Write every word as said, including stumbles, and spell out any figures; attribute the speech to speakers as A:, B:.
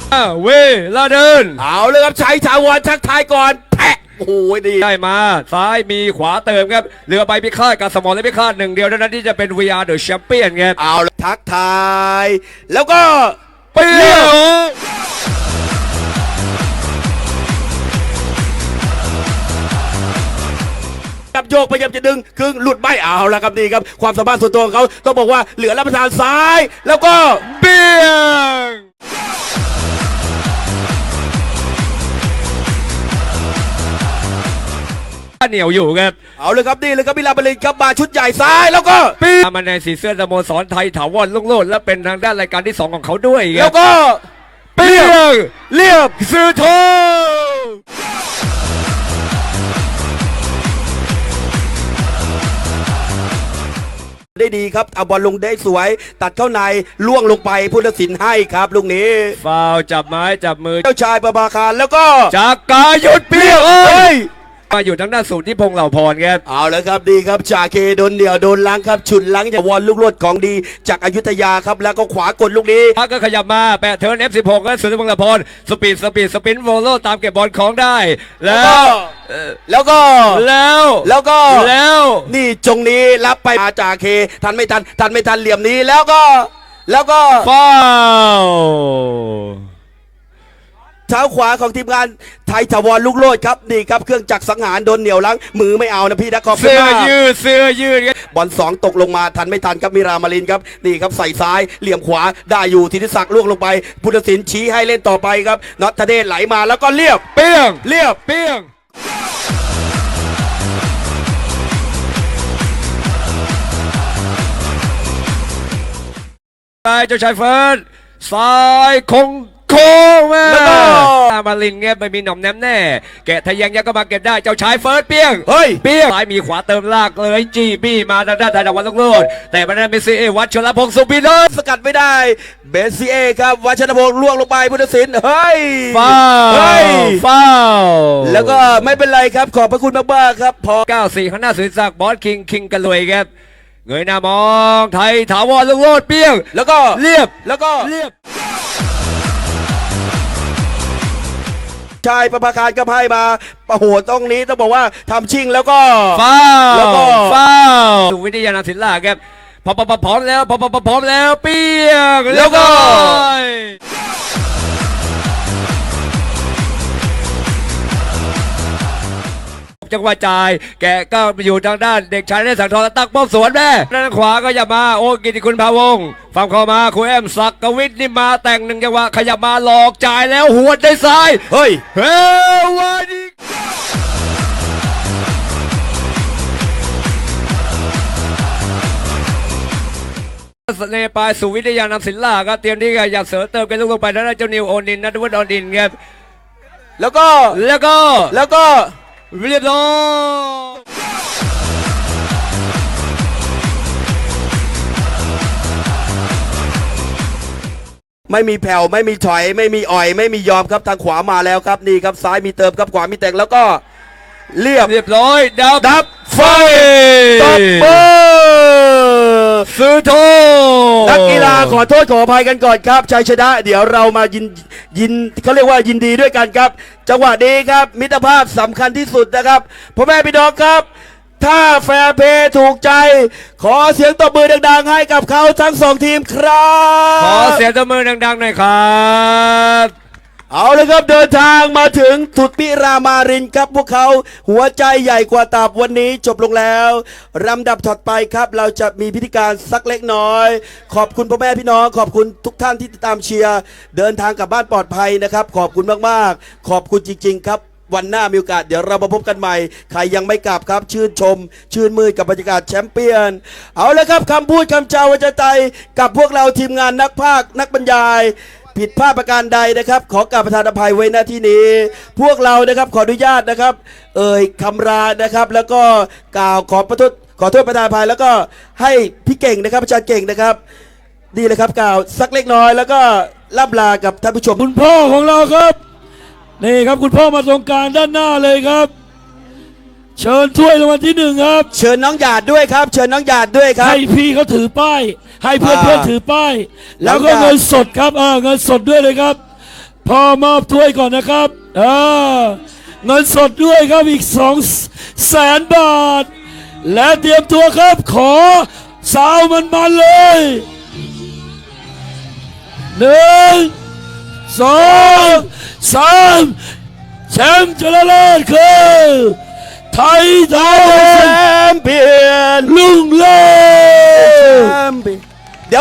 A: เวลาเดิน
B: เอาเลยครับชัยชาวรทักทายก่อนแทะโอ้ยดี
A: ได้มาซ้ายมีขวาเติมครับเรือใบพิฆาตกับสมอและพิฆาตหนึ่งเดียวเท่านั้นที่จะเป็น วี อาร์ The Champion ครับ
B: เอาเลยทักทายแล้วก็
A: เปี้ยว
B: กับโยกพยายามจะดึงครึ่งหลุดไม่เอาแล้วครับนี่ครับความสามารถส่วนตัวของเขาต้องบอกว่าเหลือรับประทานซ้ายแล้วก็
A: เปี้ยงเหนียวอยู่ครับ
B: เอาเลยครับนี่เลยครับมิลาบรินครับมาชุดใหญ่ซ้ายแล้วก็
A: ปีมาในสีเสื้อสโมสรไทยถาวรลุ่งโลดและเป็นทางด้านรายการที่สองของเขาด้วย
B: แล้วก็
A: เปียงเรียบซื้อโท
B: ได้ดีครับเอาบอลลงได้สวยตัดเข้าในล่วงลงไปผู้ตัดสินให้ครับลูกนี้
A: ฟาวจับไม้จับมือ
B: เจ้าชายประภาคารแล้วก็
A: จากกายุดเปียงเอ้ยมาอยู่ทางด้านสูตรที่พงเหล่าพรครับ
B: เอาแล้วครับดีครับจ่าเคโดนเดี่ยวโดนล้างครับฉุดล้างจากวอลลูกโลดของดีจากอยุธยาครับแล้วก็ขวากดลูกนี้
A: พักก็ขยับมาแปะเทิร์น เอฟ สิบหก แล้วสุดที่พงเหล่าพรสปีดสปีดสปินโวโลตามเก็บบอลของได้แล้ว
B: แล้วก็
A: แล้ว
B: แล้วก็
A: แล้ว
B: นี่จงนี้รับไปมาจ่าเคทันไม่ทันทันไม่ทันเหลี่ยมนี้แล้วก็แล้วก็
A: ฟาว
B: เท้าขวาของทีมงานไทยถาวรลูกโลดครับนี่ครับเครื่องจักรสังหารโดนเหนี่ยวล้างมือไม่เอานะพี่นะขอบคุณ
A: มากเสื้อยืดเสื้อยืด
B: บอลสองตกลงมาทันไม่ทันครับมิรามารินครับนี่ครับใส่ซ้ายเหลี่ยมขวาได้อยู่ธีรศักดิ์ล่วงลงไปพุทธศิลป์ชี้ให้เล่นต่อไปครับน็อตทเดชไหลมาแล้วก็เรียบ
A: เปี้ยง
B: เรียบ
A: เปี้ยงซ้ายเจ้าชายเฟิร์นซ้ายคงโค้งมามาลินเงี้ยไม่มีหน่อมแนมแน่แกะทะยังยังก็มาเก็บได้เจ้าชายเฟิร์สเปี้ยง
B: เฮ้ย
A: เปี้ยงซ้ายมีขวาเติมลากเลยจีบี้มาด้านด้านด้านวันลูกโลดแต่มันนั้นเป็นซีเอวัชรพงศ์สุบิน
B: สกัดไม่ได้เบสซีเอครับวัชรพงศ์ล่วงลงไปพุทธศิลป์เฮ้ย
A: ฟาว
B: เฮ้ย
A: ฟาว
B: แล้วก็ไม่เป็นไรครับขอบพระคุณมากๆครับพอ
A: เก้าสี่ข้างหน้าสุดสักบอสคิงคิงกันเลยครับเงยหน้ามองไทยถาวรลูกโลดเปี้ยง
B: แล้วก็
A: เรียบ
B: แล้วก็
A: เรียบ
B: ชายประภาคารก็ให้มาประโหดตรงนี้ต้องบอกว่าทำชิงแล้วก็
A: ฟ้า
B: แล้วก็
A: ฟ้าสุวิทยานาศิลาครับพอพอพร้อมแล้วพอพอพร้อมแล้วเปี้ยง
B: แล้วก็
A: จังหวะจ่ายแกก็อยู่ทางด้านเด็กชายได้สังทองตักป้อมสวนแม่ด้านขวาก็อย่ามาโอ้กิติคุณพาวงฝั่งเข้ามาครูแอมศักวิทย์นี่มาแต่งหนึ่งจังหวะขยับมาหลอกจ่ายแล้วหัวได้ซ้าย
B: เฮ้ย
A: เฮ้ยวันนี้เสน่ห์ปลายสุวิทยานำศิลาก็เตรียมที่จะอยากเสริมเติมกันลงไปแล้วเจ้านิวโอนินนัทวุฒิอดินครับ
B: แล้วก็
A: แล้วก็
B: แล้วก็
A: เรียบร้อย
B: ไม่มีแผ่วไม่มีถอยไม่มีอ่อยไม่มียอมครับทางขวามาแล้วครับนี่ครับซ้ายมีเติมครับขวามีแต่งแล้วก็เรียบ
A: เรียบร้อยดับ
B: ดับไฟ
A: ตบ
B: เบอร์
A: ซื้อโท
B: นักกีฬาขอโทษขออภัยกันก่อนครับชัยชนะเดี๋ยวเรามายินยินเขาเรียกว่ายินดีด้วยกันครับจังหวะนี้ครับมิตรภาพสำคัญที่สุดนะครับพ่อแม่พี่น้องครับถ้าแฟร์เพย์ถูกใจขอเสียงตบมือดังๆให้กับเขาทั้งสองทีมครับ
A: ขอเสียงตบมือดังๆหน่อยครับ
B: เอาเลยครับเดินทางมาถึงสุดพิรามารินครับพวกเขาหัวใจใหญ่กว่าตับวันนี้จบลงแล้วลำดับถัดไปครับเราจะมีพิธีการสักเล็กน้อยขอบคุณพ่อแม่พี่น้องขอบคุณทุกท่านที่ติดตามเชียร์เดินทางกลับบ้านปลอดภัยนะครับขอบคุณมากๆขอบคุณจริงๆครับวันหน้ามีโอกาสเดี๋ยวเรามาพบกันใหม่ใครยังไม่กลับครับชื่นชมชื่นมือกับบรรยากาศแชมเปี้ยนเอาเลยครับคำพูดคำจาวัจใจกับพวกเราทีมงานนักพากย์นักบรรยายผิดพลาดประการใดนะครับขอกราบประทานอภัยไว้หน้าที่นี้พวกเรานะครับขออนุญาตนะครับเอ่ยคำรานะครับแล้วก็กล่าวขอประทษขอโทษประทานอภัยแล้วก็ให้พี่เก่งนะครับอาจารย์เก่งนะครับดีเลยครับกล่าวสักเล็กน้อยแล้วก็ล่ำลากับท่านผู้ชม
C: คุณพ่อของเราครับนี่ครับคุณพ่อมาตรงกลางด้านหน้าเลยครับเชิญถ้วยรางวัลที่หนึ่งครับ
B: เชิญน้องหยาดด้วยครับเชิญน้องหยาดด้วยครับ
C: ให้พี่เขาถือป้ายให้เพื่อนเพื่อนถือป้ายแล้วก็เงินสดครับเออเงินสดด้วยเลยครับพ่อมอบถ้วยก่อนนะครับอ่าเงินสดด้วยครับอีกสองแสนบาท และเตรียมตัวครับขอสาวมันมันๆเลยหนึ่งสองสามแชมป์ชนะเลิศคือไทยไท
B: แช
C: ย
B: มเปี้ยน
C: ลุงเลิศ
B: แชมเปี้ยน